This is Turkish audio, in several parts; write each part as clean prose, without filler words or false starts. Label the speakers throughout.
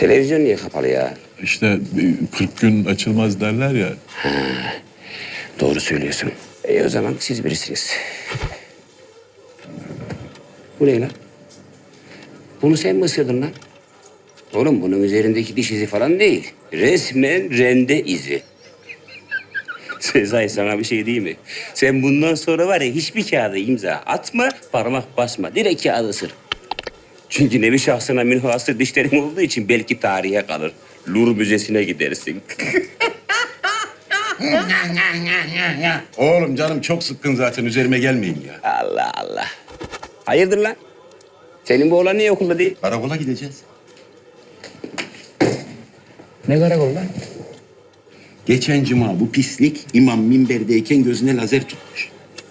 Speaker 1: Televizyon niye kapalı ya?
Speaker 2: İşte 40 gün açılmaz derler ya.
Speaker 1: Doğru söylüyorsun. O zaman siz birisiniz. Bu ne lan? Bunu sen mi ısırdın lan? Oğlum bunun üzerindeki diş izi falan değil. Resmen rende izi. Sezai sana bir şey diyeyim mi? Sen bundan sonra var ya hiçbir kağıda imza atma, parmak basma. Direkt kağıdı ısır. Çünkü nevi şahsına münhasır dişlerin olduğu için belki tarihe kalır. Louvre Müzesi'ne gidersin.
Speaker 3: Oğlum canım çok sıkkın zaten üzerime gelmeyin ya.
Speaker 1: Allah Allah. Hayırdır lan? Senin bu oğlan niye okulda değil?
Speaker 3: Karakola gideceğiz.
Speaker 1: Ne karakol lan?
Speaker 3: Geçen cuma bu pislik imam minberdeyken gözüne lazer tutmuş.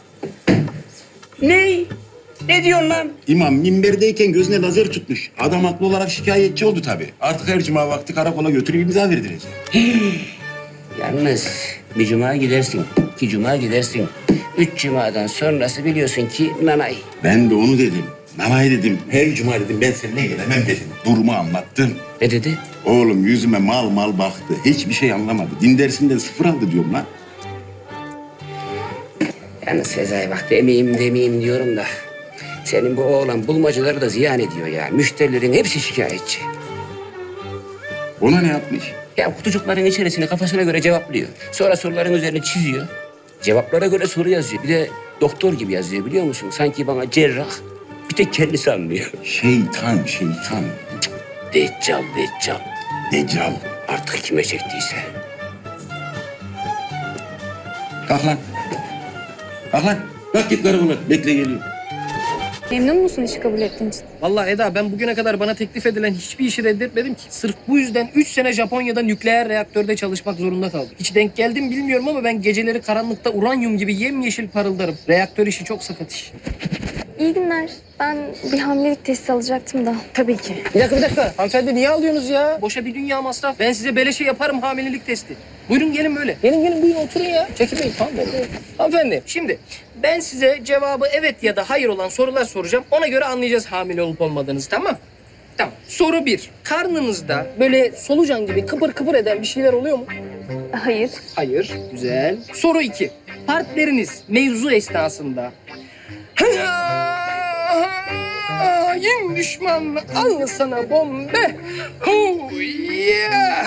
Speaker 1: Ne? Ne diyorsun lan?
Speaker 3: İmam minberdeyken gözüne lazer tutmuş. Adam haklı olarak şikayetçi oldu tabii. Artık her cuma vakti karakola götürüp imza verdirecek.
Speaker 1: Yalnız bir cuma gidersin, iki cuma gidersin. 3 cumadan sonrası biliyorsun ki nanay.
Speaker 3: Ben de onu dedim. Nanay dedim. Her cuma dedim ben seninle gelemem dedim. Durumu anlattım.
Speaker 1: Ne dedi?
Speaker 3: Oğlum yüzüme mal mal baktı. Hiçbir şey anlamadı. Din dersinden 0 aldı diyorum lan.
Speaker 1: Yalnız Sezai bak demeyeyim diyorum da. Senin bu oğlan bulmacaları da ziyan ediyor ya. Müşterilerin hepsi şikayetçi.
Speaker 3: Ona ne yapmış?
Speaker 1: Ya kutucukların içerisine kafasına göre cevaplıyor. Sonra soruların üzerine çiziyor. Cevaplara göre soru yazıyor. Bir de doktor gibi yazıyor biliyor musun? Sanki bana cerrah. Bir tek kendisi anlıyor.
Speaker 3: Şeytan.
Speaker 1: Deccal.
Speaker 3: Deccal.
Speaker 1: Artık kime çektiyse.
Speaker 3: Kalk lan. Kalk lan. Kalk git karakola. Bekle geliyor.
Speaker 4: Memnun musun işi kabul ettiğin için?
Speaker 5: Vallahi Eda ben bugüne kadar bana teklif edilen hiçbir işi reddetmedim ki. Sırf bu yüzden 3 sene Japonya'da nükleer reaktörde çalışmak zorunda kaldım. Hiç denk geldim bilmiyorum ama ben geceleri karanlıkta uranyum gibi yemyeşil parıldarım. Reaktör işi çok sakat iş.
Speaker 4: İyi günler. Ben bir hamilelik testi alacaktım da. Tabii ki.
Speaker 5: Bir dakika. Hanımefendi niye alıyorsunuz ya? Boşa bir dünya masraf. Ben size beleşe yaparım hamilelik testi. Buyurun gelin böyle. Gelin buyurun oturun ya. Çekinmeyin tamam mı? Hanımefendi şimdi ben size cevabı evet ya da hayır olan sorular soracağım. Ona göre anlayacağız hamile olup olmadığınızı tamam? Tamam. Soru 1. Karnınızda böyle solucan gibi kıpır kıpır eden bir şeyler oluyor mu?
Speaker 4: Hayır.
Speaker 5: Hayır. Güzel. Soru 2. Partneriniz mevzu esnasında hain düşman al sana bombe. Oh yeah.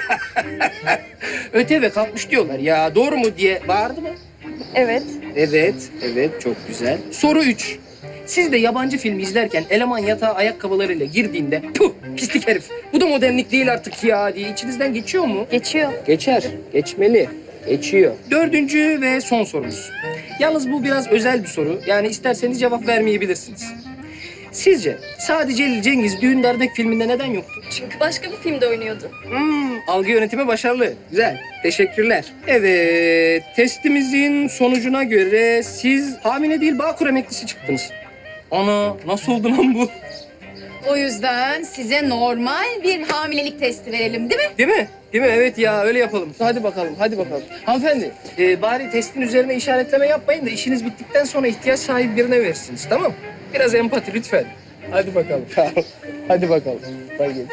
Speaker 5: Öte ve kalkmış diyorlar ya doğru mu diye bağırdı mı?
Speaker 4: Evet.
Speaker 5: Evet çok güzel. Soru 3. Siz de yabancı film izlerken eleman yatağa ayakkabılarıyla girdiğinde puh pislik herif bu da modernlik değil artık ya diye içinizden geçiyor mu?
Speaker 4: Geçiyor.
Speaker 5: Geçer. Geçmeli. Geçiyor. 4. ve son sorumuz. Yalnız bu biraz özel bir soru. Yani isterseniz cevap vermeyebilirsiniz. Sizce Sadi Celil Cengiz Düğün Dernek filminde neden yoktu?
Speaker 4: Çünkü başka bir filmde oynuyordu.
Speaker 5: Algı yönetimi başarılı. Güzel. Teşekkürler. Evet. Testimizin sonucuna göre siz hamile değil Bağkur emeklisi çıktınız. Ana nasıl oldu lan bu?
Speaker 6: O yüzden size normal bir hamilelik testi verelim değil mi?
Speaker 5: Değil mi? Değil mi? Evet ya öyle yapalım. Hadi bakalım. Hanımefendi bari testin üzerine işaretleme yapmayın da işiniz bittikten sonra ihtiyaç sahibi birine verirsiniz tamam mı? Biraz empati lütfen. Hadi bakalım. Hadi bakalım. Hadi gelin.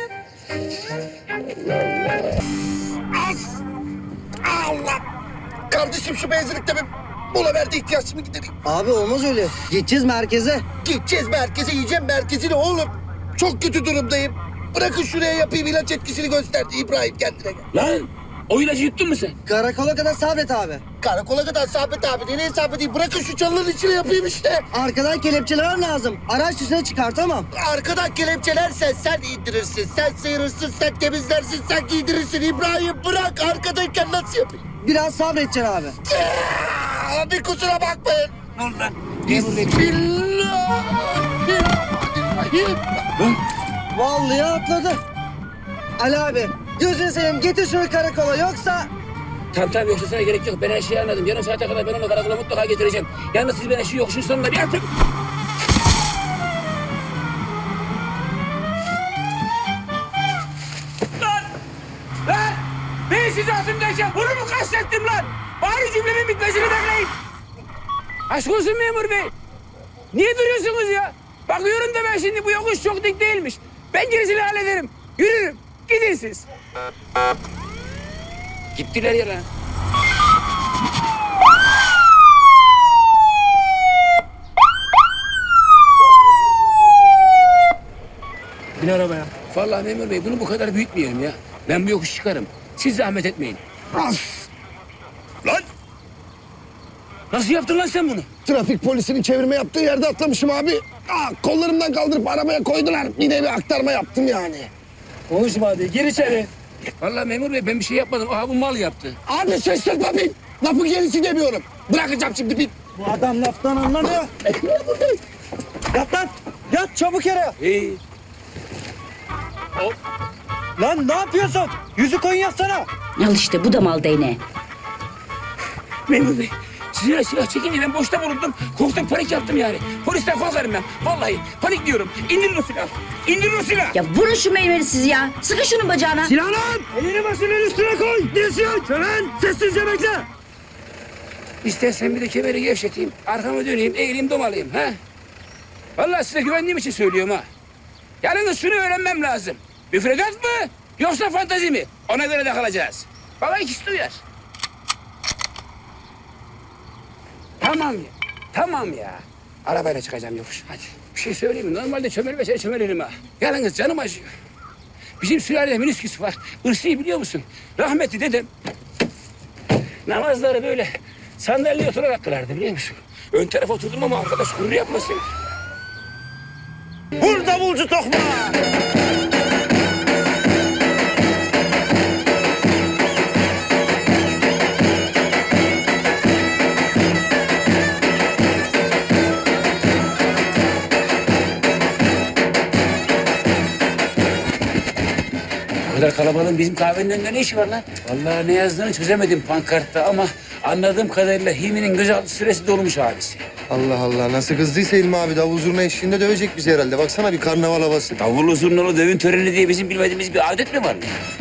Speaker 7: Allah! Kardeşim şu benzinlikte bir mola verdi ihtiyaçımı gidereyim.
Speaker 8: Abi olmaz öyle. Gideceğiz merkeze.
Speaker 7: Gideceğiz merkeze yiyeceğim merkezini oğlum. Çok kötü durumdayım. Bırakın şuraya yapayım ilaç etkisini gösterdi İbrahim kendine gel.
Speaker 1: Lan o ilacı yuttun mu sen?
Speaker 8: Karakola kadar sabret abi.
Speaker 7: Karakola kadar Sabit abi nereye Sabit değil bırakın şu çalıların içine yapayım işte.
Speaker 8: Arkadan kelepçeler lazım. Araç dışına çıkartamam.
Speaker 7: Arkadan kelepçelersen sen indirirsin, sen sıyırırsın, sen temizlersin, sen giydirirsin. İbrahim bırak arkadayken nasıl yapayım?
Speaker 8: Biraz sabredeceksin abi.
Speaker 7: Abi kusura bakmayın. Dur lan. Bismillahirrahmanirrahim.
Speaker 8: Vallahi atladı. Ali abi gözünü seveyim getir şunu karakola yoksa...
Speaker 1: Tamam yoksa sana gerek yok. Ben her şeyi anladım. Yarım saate kadar ben onu karakola mutlaka getireceğim. Yalnız siz bana şu yokuşun sonunda bir atın. Lan! Ben sizi atımdayken bunu mu kastettim lan? Bari cümlemin bitmesini bekleyin. Aşk olsun memur bey. Niye duruyorsunuz ya? Bakıyorum da ben şimdi bu yokuş çok dik değilmiş. Ben gerisini hallederim. Yürürüm. Gidin siz. Gittiler ya lan.
Speaker 5: Bin arabaya.
Speaker 1: Vallahi memur bey bunu bu kadar büyütmeyelim ya. Ben bu yokuş çıkarım. Siz zahmet etmeyin.
Speaker 3: Lan!
Speaker 1: Nasıl yaptın lan sen bunu?
Speaker 7: Trafik polisinin çevirme yaptığı yerde atlamışım abi. Kollarımdan kaldırıp arabaya koydular. Yine bir aktarma yaptım yani.
Speaker 5: Konuşma hadi. Gir içeri.
Speaker 1: Vallahi memur bey ben bir şey yapmadım. Aha bu mal yaptı.
Speaker 7: Abi ses yapma bin. Lafı gerisi demiyorum. Bırakacağım şimdi bin.
Speaker 8: Bu adam laftan anlamıyor. Yat lan. Yat çabuk yere.
Speaker 1: İyi.
Speaker 8: Lan ne yapıyorsun? Yüzü koyun yatsana.
Speaker 9: Al işte bu da mal değneği.
Speaker 1: Memur bey silah çekince ben boşta bulundum. Korktum panik yaptım yani. Polisten korkarım ben. Vallahi panik diyorum. İndirin o silahı. İndirin o silahı.
Speaker 9: Ya vurun şu meyveli siz ya. Sıkın şunun bacağına.
Speaker 8: Silah lan. Elini başının üstüne koy. Diyorsun. Şölen sessizce bekle.
Speaker 1: İstersen bir de kemeri gevşeteyim. Arkamı döneyim, eğileyim, domalayayım. Ha? Vallahi size güvendiğim için söylüyorum ha. Yalnız şunu öğrenmem lazım. Müfredat mı yoksa fantazi mi? Ona göre de kalacağız. Baba ikisi duyar. Tamam ya. Tamam ya. Arabayla çıkacağım yokuş. Hadi. Bir şey söyleyeyim mi? Normalde çömelirim ha. Yalnız canım acıyor. Bizim sülalede minisküs var. Irsi'yi biliyor musun? Rahmetli dedem namazları böyle sandalyeye oturarak kılardı biliyor musun? Ön tarafa oturdum ama arkadaş gurur yapmasın.
Speaker 8: Vur davulcu tokma.
Speaker 1: O kadar kalabalığın bizim kahvenin önünde ne işi var lan? Vallahi ne yazdığını çözemedim pankartta ama anladığım kadarıyla Hilmi'nin gözaltı süresi dolmuş abisi.
Speaker 7: Allah Allah nasıl kızdıysa İlmi abi davul zurna eşliğinde dövecek bizi herhalde. Baksana bir karnaval havası.
Speaker 1: Davullu zurnalı dövün töreni diye bizim bilmediğimiz bir adet mi var?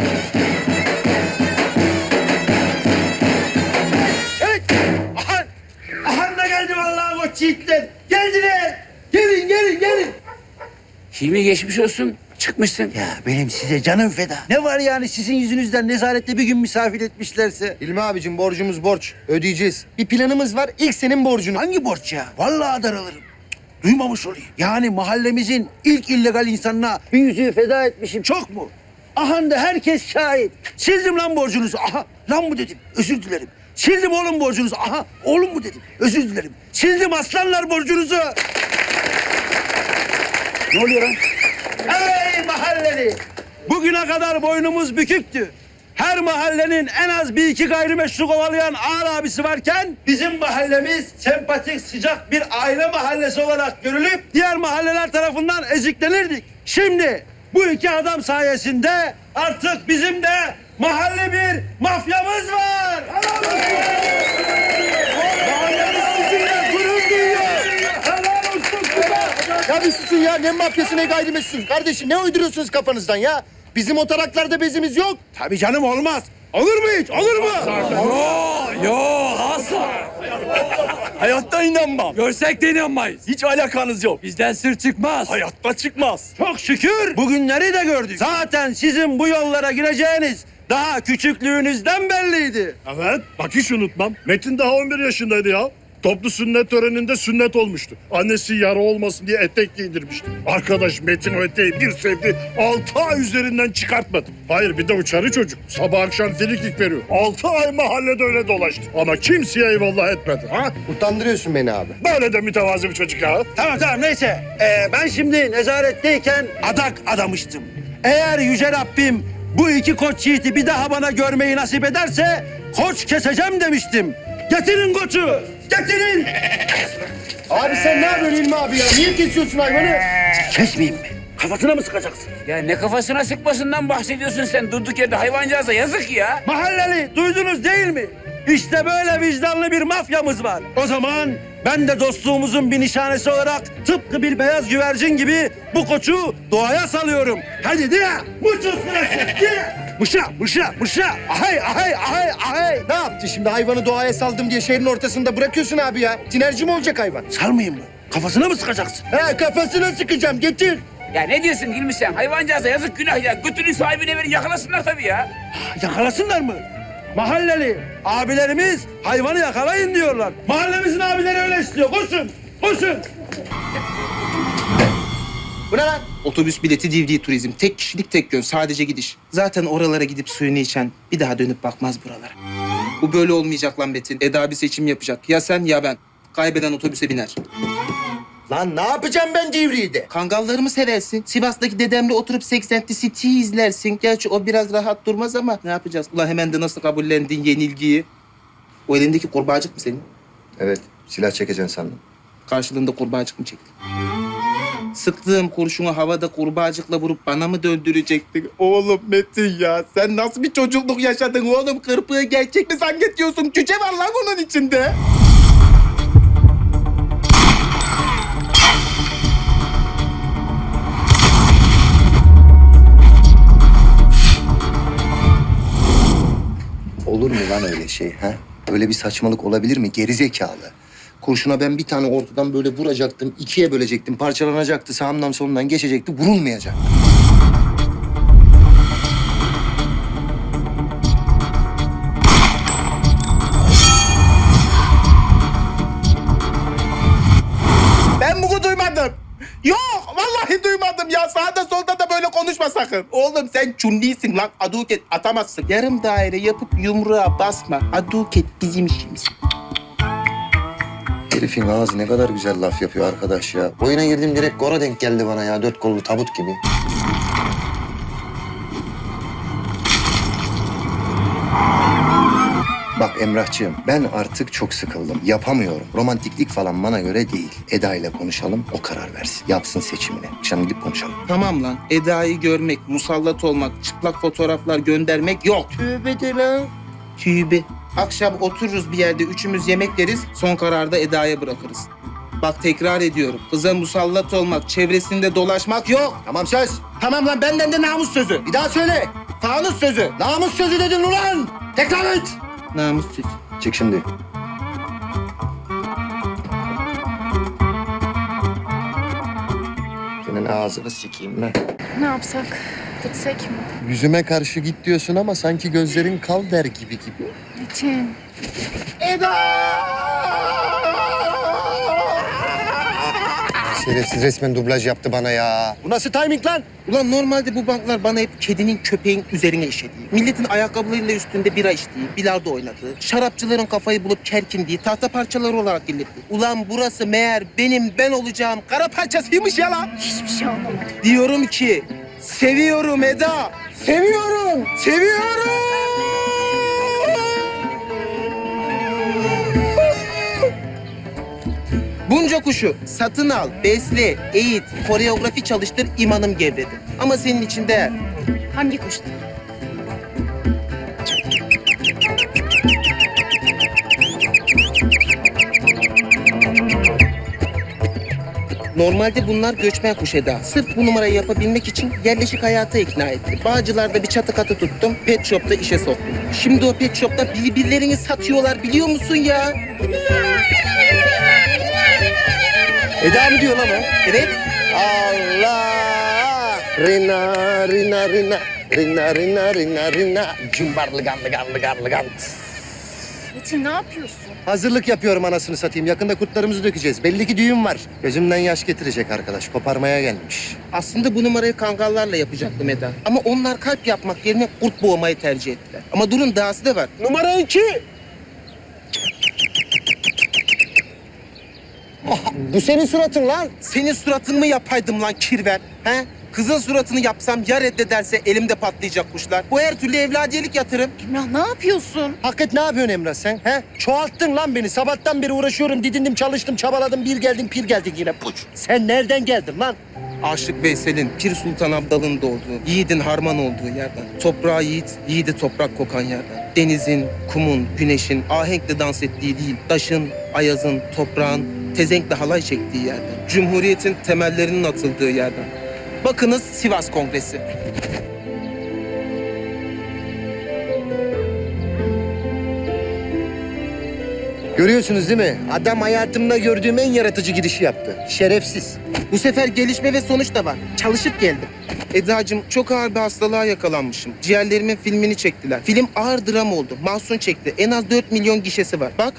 Speaker 8: Ahan da geldi vallahi koç yiğitler. Geldiler. Gelin gelin gelin.
Speaker 1: Hilmi geçmiş olsun. Çıkmışsın.
Speaker 8: Ya benim size canım feda. Ne var yani sizin yüzünüzden nezarette bir gün misafir etmişlerse?
Speaker 7: İlmi abicim borcumuz borç. Ödeyeceğiz. Bir planımız var. İlk senin borcunu.
Speaker 8: Hangi borç ya? Vallahi daralırım. Duymamış olayım. Yani mahallemizin ilk illegal insanına bir yüzüğü feda etmişim çok mu? Ahan da herkes şahit. Sildim lan borcunuzu. Aha lan mı dedim. Özür dilerim. Sildim oğlum borcunuzu. Aha oğlum mu dedim. Özür dilerim. Sildim aslanlar borcunuzu.
Speaker 1: Ne oluyor lan?
Speaker 8: Ey mahalleli! Bugüne kadar boynumuz büküktü. Her mahallenin en az bir iki gayrimeşru kovalayan ağır abisi varken bizim mahallemiz sempatik, sıcak bir aile mahallesi olarak görülüp diğer mahalleler tarafından eziklenirdik. Şimdi bu iki adam sayesinde artık bizim de mahalle bir mafyamız var. Mahallemiz sizinle gurur duyuyor. Helal olsun size.
Speaker 7: Ya bir susun ya. Ne mafyası ne gayrimeşru. Kardeşim ne uyduruyorsunuz kafanızdan ya? Bizim o taraklarda bezimiz yok.
Speaker 8: Tabii canım olmaz. Olur mu hiç? Olur mu?
Speaker 10: Yo asla. Hayatta inanmam. Görsek de inanmayız. Hiç alakanız yok. Bizden sır çıkmaz. Hayatta çıkmaz.
Speaker 8: Çok şükür bugünleri de gördük. Zaten sizin bu yollara gireceğiniz daha küçüklüğünüzden belliydi.
Speaker 11: Evet, bak hiç unutmam. Metin daha 11 yaşındaydı ya. Toplu sünnet töreninde sünnet olmuştu. Annesi yara olmasın diye etek giydirmişti. Arkadaş Metin o eteği bir sevdi, 6 ay üzerinden çıkartmadı. Hayır bir de uçarı çocuk. Sabah akşam filiklik veriyor. 6 ay mahallede öyle dolaştı. Ama kimseye eyvallah etmedi. Ha?
Speaker 7: Utandırıyorsun beni abi.
Speaker 11: Böyle de mütevazi bir çocuk ya.
Speaker 8: Tamam neyse. Ben şimdi nezaretteyken adak adamıştım. Eğer Yüce Rabbim bu iki koç yiğiti bir daha bana görmeyi nasip ederse koç keseceğim demiştim. Getirin koçu. Getirin.
Speaker 7: Abi sen ne yapıyorsun İlmi abi ya? Niye kesiyorsun hayvanı?
Speaker 8: Kesmeyeyim mi? Kafasına mı sıkacaksın?
Speaker 1: Ya ne kafasına sıkmasından bahsediyorsun sen durduk yerde hayvancağıza yazık ya.
Speaker 8: Mahalleli duydunuz değil mi? İşte böyle vicdanlı bir mafyamız var. O zaman ben de dostluğumuzun bir nişanesi olarak tıpkı bir beyaz güvercin gibi bu koçu doğaya salıyorum. Hadi diye. Muchos gracias. Diye. Mışa. Ahay.
Speaker 7: Ne yaptı şimdi? Hayvanı doğaya saldım diye şehrin ortasında bırakıyorsun abi ya. Tinerci mi olacak hayvan?
Speaker 8: Salmayayım mı? Kafasına mı sıkacaksın?
Speaker 7: He kafasına sıkacağım. Getir.
Speaker 1: Ya ne diyorsun Hilmi sen? Hayvancağıza yazık günah ya. Götünün sahibine verin yakalasınlar tabii ya.
Speaker 8: Yakalasınlar mı? Mahalleli abilerimiz hayvanı yakalayın diyorlar. Mahallemizin abileri öyle istiyor. Koşun, koşun.
Speaker 5: Bu ne lan? Otobüs bileti DVD turizm. Tek kişilik tek yön. Sadece gidiş. Zaten oralara gidip suyunu içen bir daha dönüp bakmaz buralara. Bu böyle olmayacak lan Metin. Eda bir seçim yapacak. Ya sen ya ben. Kaybeden otobüse biner.
Speaker 7: Lan ne yapacağım ben Divriği'de?
Speaker 5: Kangallarımı seversin. Sivas'taki dedemle oturup 80 City izlersin. Gerçi o biraz rahat durmaz ama ne yapacağız? Ulan hemen de nasıl kabullendin yenilgiyi? O elindeki kurbağacık mı senin?
Speaker 7: Evet, silah çekeceksin sandım.
Speaker 5: Karşılığında kurbağacık mı çektin? Sıktığım kurşunu havada kurbağacıkla vurup bana mı döndürecektin? Oğlum Metin ya, sen nasıl bir çocukluk yaşadın oğlum? Kırpığı gerçek mi zannediyorsun? Cüce var lan onun içinde.
Speaker 7: Olur mu lan öyle şey ha? Öyle bir saçmalık olabilir mi? Gerizekalı. Kurşuna ben bir tane ortadan böyle vuracaktım, ikiye bölecektim, parçalanacaktı, sağımdan solundan geçecekti, vurulmayacak.
Speaker 5: Ben bunu duymadım. Yok, vallahi duymadım ya. Sağda solda da böyle konuşma sakın. Oğlum sen çunlisin lan. Aduket atamazsın. Yarım daire yapıp yumruğa basma. Aduket bizim işimiz.
Speaker 7: Herifin ağzı ne kadar güzel laf yapıyor arkadaş ya. Oyuna girdim direkt gora denk geldi bana ya, 4 kollu tabut gibi. Bak Emrahcığım, ben artık çok sıkıldım. Yapamıyorum. Romantiklik falan bana göre değil. Eda ile konuşalım, o karar versin. Yapsın seçimini. Akşam gidip konuşalım.
Speaker 5: Tamam lan. Eda'yı görmek, musallat olmak, çıplak fotoğraflar göndermek yok. Tövbe de lan. Tövbe. Akşam otururuz bir yerde, üçümüz yemek yeriz. Son kararda Eda'ya bırakırız. Bak tekrar ediyorum. Kıza musallat olmak, çevresinde dolaşmak yok.
Speaker 7: Tamam söz.
Speaker 5: Tamam lan, benden de namus sözü.
Speaker 7: Bir daha söyle.
Speaker 5: Fanus sözü.
Speaker 7: Namus sözü dedin ulan. Tekrar et.
Speaker 5: Namus sözü.
Speaker 7: Çık şimdi. Senin ağzını sikeyim ben.
Speaker 4: Ne yapsak? Gitsek mi?
Speaker 7: Yüzüme karşı git diyorsun ama sanki gözlerin kal der gibi.
Speaker 4: Metin.
Speaker 7: Şerefsiz resmen dublaj yaptı bana ya. Bu nasıl timing lan?
Speaker 5: Ulan normalde bu banklar bana hep kedinin köpeğin üzerine işediği, milletin ayakkabılarıyla üstünde bira içtiği, bilardo oynadığı, şarapçıların kafayı bulup kerkindiği tahta parçaları olarak dinletti. Ulan burası meğer benim ben olacağım kara parçasıymış ya lan.
Speaker 4: Hiçbir şey anlamadım.
Speaker 5: Diyorum ki seviyorum Eda. Seviyorum. Seviyorum. Bunca kuşu satın al, besle, eğit, koreografi çalıştır, imanım gevredi. Ama senin için değer.
Speaker 4: Hangi kuştu?
Speaker 5: Normalde bunlar göçmen kuş Eda. Sırf bu numarayı yapabilmek için yerleşik hayata ikna etti. Bağcılar'da bir çatı katı tuttum, pet shop'ta işe soktum. Şimdi o pet shop'ta birbirlerini satıyorlar biliyor musun ya?
Speaker 7: Eda mı diyor lan o?
Speaker 5: Evet.
Speaker 7: Allah! Rina, rina, rina. Rina, rina, rina, rina. Cumbarlıgan, lıgan, lıgan, lıgan.
Speaker 4: Metin ne yapıyorsun?
Speaker 7: Hazırlık yapıyorum anasını satayım. Yakında kurtlarımızı dökeceğiz. Belli ki düğün var. Gözümden yaş getirecek arkadaş. Koparmaya gelmiş.
Speaker 5: Aslında bu numarayı kangallarla yapacaktım Eda. Ama onlar kalp yapmak yerine kurt boğmayı tercih ettiler. Ama durun dahası da var. Numara 2.
Speaker 7: Bu senin suratın lan.
Speaker 5: Senin suratını mı yapaydım lan kirver? He? Kızın suratını yapsam ya reddederse elimde patlayacak kuşlar. Bu her türlü evladiyelik yatırım.
Speaker 4: Emrah ne yapıyorsun?
Speaker 7: Hakikat ne yapıyorsun Emrah sen? He? Çoğalttın lan beni. Sabahtan beri uğraşıyorum, didindim, çalıştım, çabaladım. Bir geldin, pir geldin yine. Puç. Sen nereden geldin lan?
Speaker 5: Aşık Veysel'in, Pir Sultan Abdal'ın doğduğu, yiğidin harman olduğu yerden. Toprağı yiğit, yiğidi toprak kokan yerden. Denizin, kumun, güneşin ahenkle dans ettiği değil, taşın, ayazın, toprağın tezenkle halay çektiği yerden. Cumhuriyetin temellerinin atıldığı yerden. Bakınız Sivas Kongresi.
Speaker 7: Görüyorsunuz değil mi? Adam hayatımda gördüğüm en yaratıcı girişi yaptı. Şerefsiz.
Speaker 12: Bu sefer gelişme ve sonuç da var. Çalışıp geldim. Eda'cığım çok ağır bir hastalığa yakalanmışım. Ciğerlerimin filmini çektiler. Film ağır dram oldu. Mahsun çekti. En az 4 milyon gişesi var. Bak.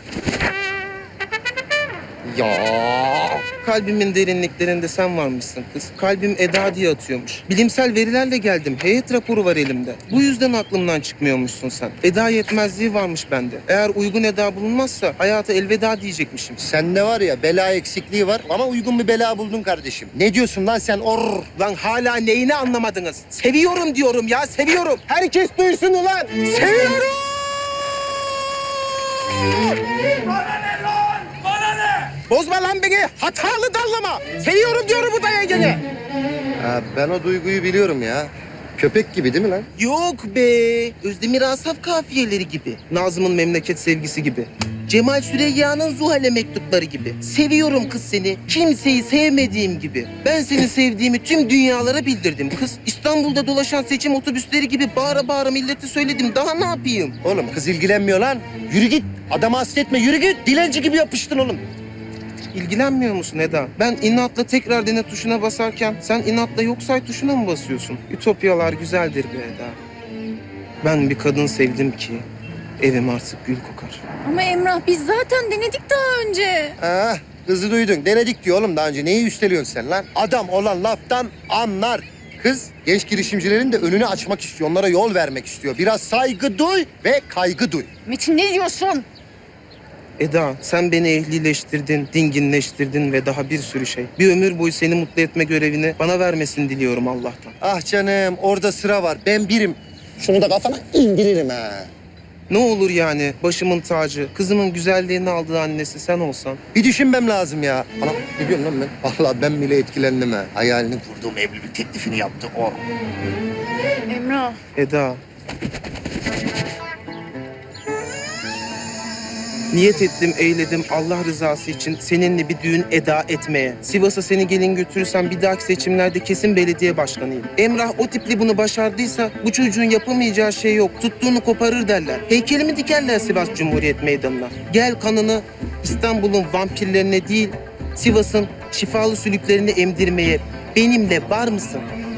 Speaker 7: Ya.
Speaker 12: Kalbimin derinliklerinde sen varmışsın kız. Kalbim Eda diye atıyormuş. Bilimsel verilerle geldim. Heyet raporu var elimde. Bu yüzden aklımdan çıkmıyormuşsun sen. Eda yetmezliği varmış bende. Eğer uygun Eda bulunmazsa hayata elveda diyecekmişim.
Speaker 7: Sende var ya bela eksikliği var ama uygun bir bela buldun kardeşim. Ne diyorsun lan sen?
Speaker 12: Lan hala neyini anlamadınız? Seviyorum diyorum ya, seviyorum. Herkes duysun ulan. Seviyorum. Bozma lan beni. Hatalı dallama. Seviyorum diyorum bu da yengene.
Speaker 7: Ha, ben o duyguyu biliyorum ya. Köpek gibi değil mi lan?
Speaker 12: Yok be. Özdemir Asaf kafiyeleri gibi. Nazım'ın memleket sevgisi gibi. Cemal Süreyya'nın Zuhal'e mektupları gibi. Seviyorum kız seni. Kimseyi sevmediğim gibi. Ben seni sevdiğimi tüm dünyalara bildirdim kız. İstanbul'da dolaşan seçim otobüsleri gibi bağıra bağıra millete söyledim. Daha ne yapayım?
Speaker 7: Oğlum kız ilgilenmiyor lan. Yürü git. Adamı hasretme. Yürü git. Dilenci gibi yapıştın oğlum.
Speaker 12: İlgilenmiyor musun Eda? Ben inatla tekrar dene tuşuna basarken sen inatla yok say tuşuna mı basıyorsun? Ütopyalar güzeldir be Eda. Ben bir kadın sevdim ki evim artık gül kokar.
Speaker 6: Ama Emrah biz zaten denedik daha önce.
Speaker 7: Ha, kızı duydun. Denedik diyor oğlum daha önce. Neyi üsteliyorsun sen lan? Adam olan laftan anlar. Kız genç girişimcilerin de önünü açmak istiyor. Onlara yol vermek istiyor. Biraz saygı duy ve kaygı duy.
Speaker 6: Metin ne diyorsun?
Speaker 12: Eda sen beni ehlileştirdin, dinginleştirdin ve daha bir sürü şey. Bir ömür boyu seni mutlu etme görevini bana vermesini diliyorum Allah'tan.
Speaker 7: Ah canım orada sıra var. Ben birim. Şunu da kafana indiririm ha.
Speaker 12: Ne olur yani başımın tacı, kızımın güzelliğini aldığı annesi sen olsan.
Speaker 7: Bir düşünmem lazım ya. Anam ne diyorsun lan ben? Vallahi ben bile etkilendim ha. Hayalini kurduğum evlilik teklifini yaptı o.
Speaker 6: Emrah.
Speaker 12: Eda. Niyet ettim, eyledim Allah rızası için seninle bir düğün eda etmeye. Sivas'a seni gelin götürürsem bir dahaki seçimlerde kesin belediye başkanıyım. Emrah o tipli bunu başardıysa bu çocuğun yapamayacağı şey yok. Tuttuğunu koparır derler. Heykelimi dikerler Sivas Cumhuriyet Meydanı'na. Gel kanını İstanbul'un vampirlerine değil, Sivas'ın şifalı sülüklerini emdirmeye benimle var mısın?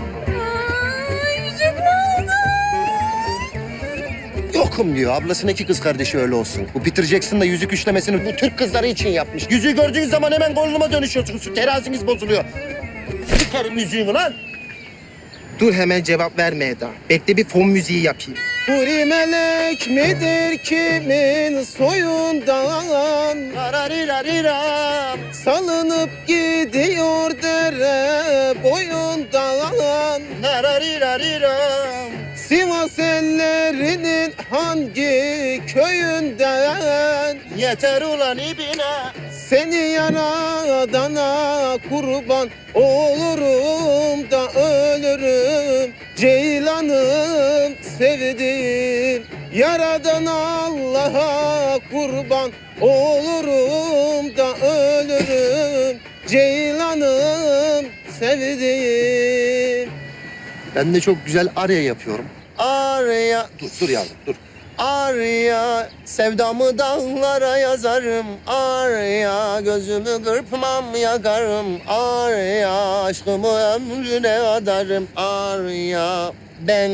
Speaker 7: Yokum diyor. Ablasının 2 kız kardeşi öyle olsun. Bu Peter Jackson da yüzük üçlemesini bu Türk kızları için yapmış. Yüzüğü gördüğünüz zaman hemen koluma dönüşüyorsunuz. Teraziniz bozuluyor. Sikerim yüzüğünü lan.
Speaker 12: Dur hemen cevap verme Eda. Bekle bir fon müziği yapayım. Huri melek midir kimin soyundan?
Speaker 7: Rarariraram.
Speaker 12: Salınıp gidiyor dere boyundan.
Speaker 7: Rarariraram.
Speaker 12: Sivas ellerinin hangi köyünden?
Speaker 7: Yeter ulan ibine.
Speaker 12: Seni yaradana kurban olurum da ölürüm. Ceylanım sevdim. Yaradan Allah'a kurban olurum da ölürüm. Ceylanım sevdim.
Speaker 7: Ben de çok güzel arya yapıyorum. Arya... Dur yavrum dur. Arya, sevdamı dağlara yazarım. Arya, gözümü kırpmam yakarım. Arya, aşkımı ömrüne adarım. Arya, ben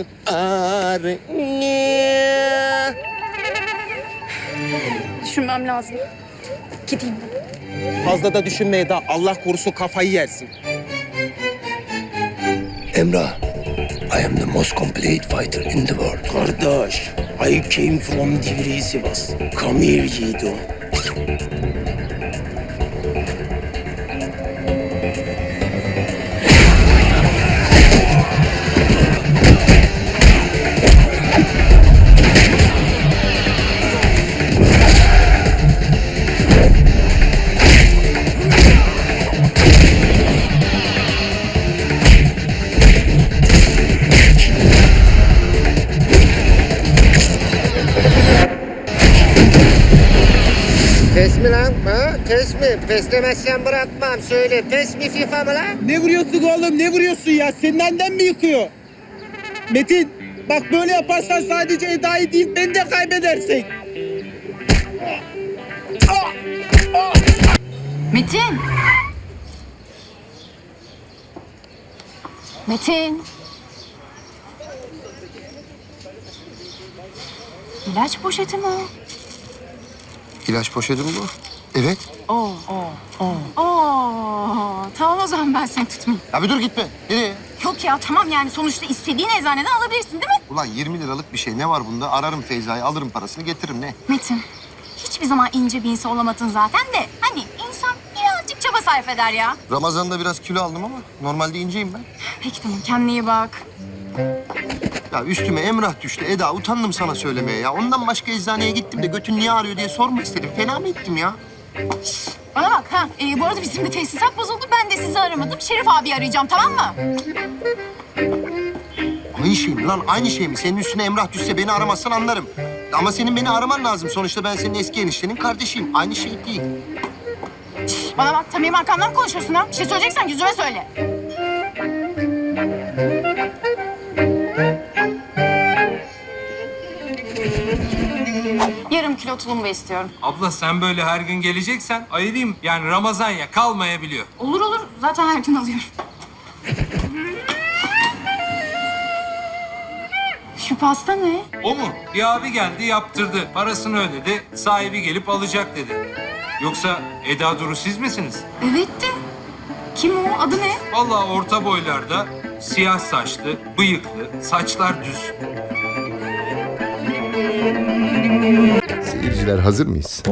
Speaker 7: Arya.
Speaker 4: Düşünmem lazım. Gideyim ben.
Speaker 12: Fazla da düşünme Eda. Allah korusun kafayı yersin.
Speaker 7: Emrah, I am the most complete fighter in the world.
Speaker 12: Kardeş, I came from Divri Sivas. Come here Yiğido.
Speaker 7: Pes mi lan? Ha? Pes mi? Peslemezsen bırakmam. Söyle, pes mi FIFA mı lan?
Speaker 12: Ne vuruyorsun oğlum? Ne vuruyorsun ya? Senin annen mi yıkıyor? Metin, bak böyle yaparsan sadece Eda'yı değil beni de kaybedersin. Ah!
Speaker 6: Metin. Metin. İlaç poşeti mi o?
Speaker 7: İlaç poşeti mi bu? Evet.
Speaker 6: Oo. Tamam o zaman ben seni tutmayayım.
Speaker 7: Ya bir dur gitme. Nereye?
Speaker 6: Yok ya tamam yani sonuçta istediğin eczaneden alabilirsin değil mi?
Speaker 7: Ulan 20 liralık bir şey ne var bunda? Ararım Feyza'yı, alırım parasını, getiririm ne?
Speaker 6: Metin, hiçbir zaman ince bir insan olamadın zaten de. Hani insan birazcık çaba sarf eder ya.
Speaker 7: Ramazan'da biraz kilo aldım ama normalde inceyim ben.
Speaker 6: Peki tamam, kendine iyi bak.
Speaker 7: Ya üstüme Emrah düştü Eda. Utandım sana söylemeye ya. Ondan başka eczaneye gittim de götün niye ağrıyor diye sormak istedim. Fena mı ettim ya?
Speaker 6: Bana bak ha, bu arada bizim de tesisat bozuldu. Ben de sizi aramadım. Şerif abi arayacağım, tamam mı?
Speaker 7: Aynı şey mi lan? Aynı şey mi? Senin üstüne Emrah düşse beni aramazsan anlarım. Ama senin beni araman lazım. Sonuçta ben senin eski eniştenin kardeşiyim. Aynı şey değil.
Speaker 6: Bana bak, tam benim arkamdan mı konuşuyorsun ha? Bir şey söyleyeceksen yüzüme söyle. Yarım kilo tulumba istiyorum.
Speaker 10: Abla sen böyle her gün geleceksen ayırayım. Yani Ramazan ya kalmayabiliyor.
Speaker 6: Olur olur, zaten her gün alıyorum. Şu pasta ne?
Speaker 10: O mu? Bir abi geldi yaptırdı. Parasını ödedi. Sahibi gelip alacak dedi. Yoksa Eda Duru siz misiniz?
Speaker 6: Evet de. Kim o? Adı ne?
Speaker 10: Vallahi orta boylarda, siyah saçlı, bıyıklı, saçlar düz.
Speaker 7: Seyirciler hazır mıyız?